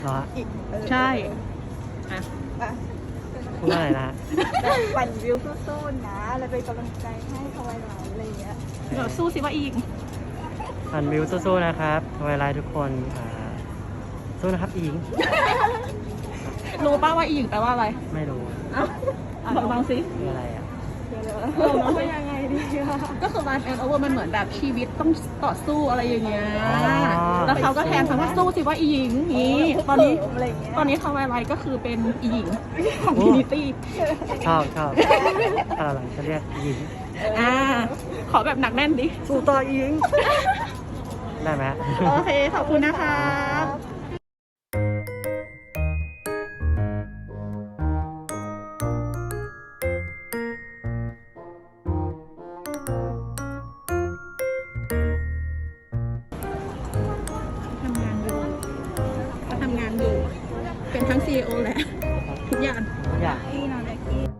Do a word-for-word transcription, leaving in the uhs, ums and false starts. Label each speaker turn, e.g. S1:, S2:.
S1: เหรอ
S2: อีกเออ
S3: ใช่อ่ะ
S2: อ่ะ
S1: พูดว่าอะไรนะ
S2: แบบปั่นวิวสู้ๆนะแล้วเป็นกำลังใจให้ทวายไลท์อะไรอย่างเงี้ย
S3: เดี๋ยวสู้สิว่าอีก
S1: อันวิวสู้ๆนะครับทวายไลท์ทุกคนอ่าสู้นะครับอิง
S3: รู้ป่าว่าอีหญิงแปลว่าอะไร
S1: ไม่รู้
S3: อ่ะลองลองสิ
S1: คืออะไรอ่ะ
S3: เราน้องยังไงดีก็คือ life and over มันเหมือนแบบชีวิตต้องต่อสู้อะไรอย่างเงี้ย แล้วเขาก็แทนคำว่าสู้สิว่าอีหญิงนี้ตอนนี้
S2: อะไรอย่างเงี้ย
S3: ตอนนี้ทวายไลท์ก็คือเป็นอีหญิงของ Trinity
S1: ชอบชอบอะไรหลังจะเรียกอิง
S3: อ่า ขอแบบหนักแน่นดิ
S1: สู้ต่ออิง ได้ไหม
S3: โอเค ขอบคุณนะคะ ทำงานอยู่เขาทำงานอยู่ เป็นทั้ง ซี อี โอ แหละ ทุกอย่าง
S1: อยาก
S2: พี่นอนแบกกี้